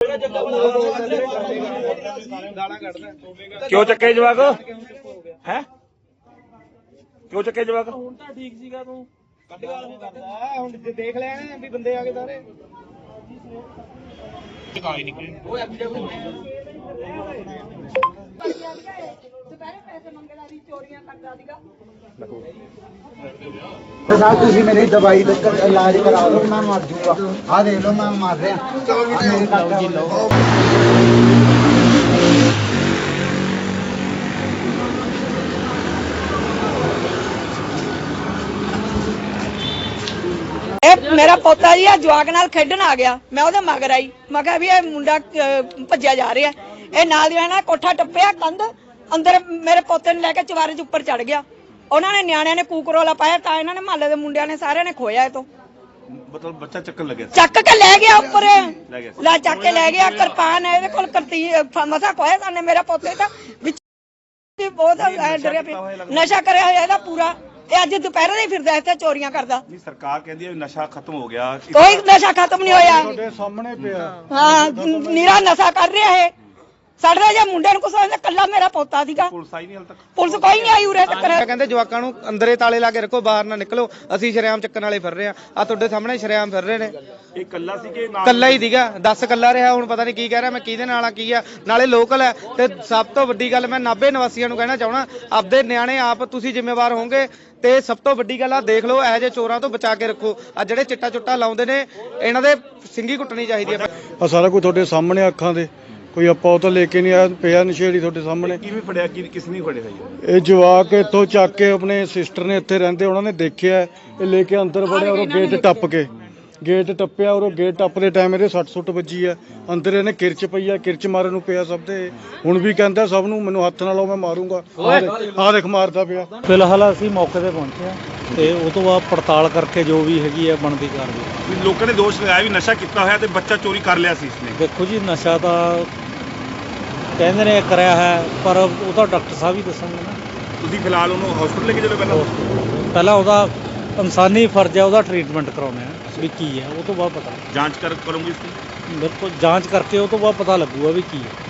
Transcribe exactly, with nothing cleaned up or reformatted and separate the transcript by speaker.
Speaker 1: क्यों चक्के जवाक है क्यों चक्के जवाक
Speaker 2: ठीक सीगा तू
Speaker 3: देख लेने भी बंदे आ गए सारे
Speaker 4: साहब तुसी मेरी दवाई का इलाज करा दो मैं मर जाऊंगा आ देख लो मैं मर रहा
Speaker 5: मेरा पोता जी जवाक नाल खेडन आ गया मैं ਉਹਦੇ ਮਗਰ ਆਈ ਮੈਂ ਕਿਹਾ ਵੀ ਇਹ ਮੁੰਡਾ ਭੱਜਿਆ ਜਾ ਰਿਹਾ ਇਹ ਨਾਲ ਦੀ ਨਾਲ ਕੋਠਾ ਟੱਪਿਆ ਕੰਧ ਅੰਦਰ ਮੇਰੇ ਪੋਤੇ ਨੂੰ ਲੈ ਕੇ ਚਵਾਰੇ 'ਚ ਉੱਪਰ ਚੜ ਗਿਆ ਉਹਨਾਂ ਨੇ ਨਿਆਣਿਆਂ ਨੇ ਕੂਕਰੋਲਾ ਪਾਇਆ ਤਾਂ ਇਹਨਾਂ ਨੇ ਮਹੱਲੇ ਦੇ ਮੁੰਡਿਆਂ ਨੇ ਸਾਰਿਆਂ ਨੇ ਖੋਇਆ ਇਹ ਤੋਂ
Speaker 1: मतलब बच्चा चक्कर लगे
Speaker 5: ਚੱਕ ਕੇ ਲੈ ਗਿਆ ਉੱਪਰ ਲੈ ਚੱਕ ਕੇ ਲੈ ਗਿਆ ਕਿਰਪਾਨ ਇਹਦੇ ਕੋਲ ਕਰਤੀ ਮਸਾ ਖੋਇਆ ਸਾਨੇ ਮੇਰਾ ਪੋਤੇ ਤਾਂ ਵਿੱਚ ਬਹੁਤ ਡਰਿਆ ਪਿਆ ਨਸ਼ਾ ਕਰਿਆ ਹੋਇਆ ਇਹਦਾ ਪੂਰਾ ਇਹ ਅੱਜ ਦੁਪਹਿਰੇ ਦੇ ਫਿਰਦਾ ਇੱਥੇ ਚੋਰੀਆਂ ਕਰਦਾ
Speaker 1: नहीं सरकार कहती है नशा खत्म हो गया
Speaker 5: ਕੋਈ ਨਸ਼ਾ ਖਤਮ ਨਹੀਂ ਹੋਇਆ
Speaker 4: ਤੁਹਾਡੇ ਸਾਹਮਣੇ ਪਿਆ
Speaker 5: ਹਾਂ ਨੀਰਾ ਨਸ਼ਾ ਕਰ ਰਿਹਾ ਹੈ ਸਾਡੇ ਜੇ ਮੁੰਡੇ ਨੂੰ ਕੁਛ ਹੋਇਆ ਕੱਲਾ ਮੇਰਾ ਪੋਤਾ ਸੀਗਾ
Speaker 1: पुलिस आई नहीं हाल तक
Speaker 5: ਪੁਲਿਸ ਕੋਈ ਨਹੀਂ ਆਈ ਉਰੇ ਤੱਕ
Speaker 3: ਕਹਿੰਦੇ ਜਵਾਕਾਂ ਨੂੰ ਅੰਦਰੇ ਤਾਲੇ ਲਾ ਕੇ ਰੱਖੋ ਬਾਹਰ ਨਾ ਨਿਕਲੋ ਅਸੀਂ ਸ਼ਰੇਆਮ ਚੱਕਣ ਵਾਲੇ ਫਿਰ ਰਹੇ ਆ ਆ ਤੁਹਾਡੇ ਸਾਹਮਣੇ ਸ਼ਰੇਆਮ ਫਿਰ ਰਹੇ ਨੇ
Speaker 1: ये कल्ला सी के नाम
Speaker 3: ਕੱਲਾ ਹੀ ਦੀਗਾ ਦਸ ਕੱਲਾ ਰਿਹਾ ਹੁਣ ਪਤਾ ਨਹੀਂ ਕੀ ਕਹਿ ਰਿਹਾ ਮੈਂ ਕਿਹਦੇ ਨਾਲ ਆ ਕੀ ਆ ਨਾਲੇ ਲੋਕਲ ਹੈ ਤੇ ਸਭ ਤੋਂ ਵੱਡੀ ਗੱਲ ਮੈਂ ਨਾਭੇ ਨਿਵਾਸੀਆਂ ਨੂੰ ਕਹਿਣਾ ਚਾਹਣਾ ਆਪਦੇ ਨਿਆਣੇ ਆਪ ਤੁਸੀਂ ਜ਼ਿੰਮੇਵਾਰ ਹੋਵੋਗੇ ਤੇ ਸਭ ਤੋਂ ਵੱਡੀ ਗੱਲ ਆ ਦੇਖ ਲਓ ਇਹੋ ਜਿਹੇ ਚੋਰਾਂ ਤੋਂ ਬਚਾ ਕੇ ਰੱਖੋ ਆ ਜਿਹੜੇ ਚਿੱਟਾ ਚੁੱਟਾ ਲਾਉਂਦੇ ਨੇ ਇਹਨਾਂ ਦੇ ਸਿੰਗੀ ਕੁੱਟਣੀ ਚਾਹੀਦੀ ਹੈ
Speaker 4: ਆ ਸਾਰਾ ਕੁਝ ਤੁਹਾਡੇ ਸਾਹਮਣੇ ਅੱਖਾਂ ਦੇ ਕੋਈ ਆਪਾਂ ਉਹ ਤਾਂ ਲੈ ਕੇ ਨਹੀਂ ਆਇਆ ਪਿਆ ਨਸ਼ੇੜੀ ਤੁਹਾਡੇ ਸਾਹਮਣੇ
Speaker 1: किवें फड़िया कि किस नहीं फड़े है
Speaker 4: ਇਹ ਜਵਾਕ ਇੱਥੋਂ ਚੱਕ ਕੇ ਆਪਣੇ ਸਿਸਟਰ ਨੇ ਇੱਥੇ ਰਹਿੰਦੇ ਉਹਨਾਂ ਨੇ ਦੇਖਿਆ ਇਹ ਲੈ ਕੇ ਅੰਦਰ ਵੜਿਆ ਉਹ ਗੇਟ ਟੱਪ ਕੇ ਗੇਟ ਟੱਪਿਆ ਔਰ ਉਹ ਗੇਟ ਟੱਪਦੇ ਟਾਈਮ ਇਹਦੇ ਸੱਟ ਸੁੱਟ ਵੱਜੀ ਆ ਅੰਦਰ ਇਹਨੇ ਕਿਰਚ ਪਈ ਆ ਕਿਰਚ ਮਾਰਨ ਨੂੰ ਪਿਆ ਸਭ ਦੇ ਹੁਣ ਵੀ ਕਹਿੰਦਾ ਸਭ ਨੂੰ ਮੈਨੂੰ ਹੱਥ ਨਾਲ ਲਾਓ ਮੈਂ ਮਾਰੂੰਗਾ ਆਹ ਦੇਖ ਮਾਰਦਾ ਪਿਆ
Speaker 2: ਫਿਲਹਾਲ ਅਸੀਂ ਮੌਕੇ ਤੇ ਪਹੁੰਚੇ ਆ ਤੇ ਉਹ ਤੋਂ ਬਾਅਦ ਪੜਤਾਲ ਕਰਕੇ ਜੋ ਵੀ ਹੈਗੀ ਆ ਬਣਦੀ ਕਾਰਵਾਈ
Speaker 1: लोगों ने दोष लगाया भी नशा किया होया ते बच्चा चोरी कर लिया सी इसने
Speaker 2: ਦੇਖੋ ਜੀ ਨਸ਼ਾ ਤਾਂ ਕਹਿੰਦੇ ਨੇ ਕਰਿਆ ਹੈ ਪਰ ਉਹ ਤਾਂ ਡਾਕਟਰ ਸਾਹਿਬ ਹੀ ਦੱਸਣਗੇ ਨਾ
Speaker 1: ਤੁਸੀਂ ਫਿਲਹਾਲ ਉਹਨੂੰ ਹਸਪੀਟਲ ਲੈ ਕੇ ਚਲੋ ਪਹਿਲਾਂ
Speaker 2: ਪਹਿਲਾਂ ਉਹਦਾ ਇਨਸਾਨੀ ਫਰਜ਼ ਹੈ ਉਹਦਾ ਟ੍ਰੀਟਮੈਂਟ ਕਰਾਉਣਾ ਹੈ ਵੀ ਕੀ ਹੈ ਉਹ ਤੋਂ ਬਾਅਦ ਪਤਾ
Speaker 1: ਜਾਂਚ ਕਰ ਕਰੂੰਗੀ इसकी
Speaker 2: ਬਿਲਕੁਲ ਜਾਂਚ ਕਰਕੇ ਉਹ ਤੋਂ ਬਾਅਦ ਪਤਾ ਲੱਗੂਗਾ ਵੀ ਕੀ ਹੈ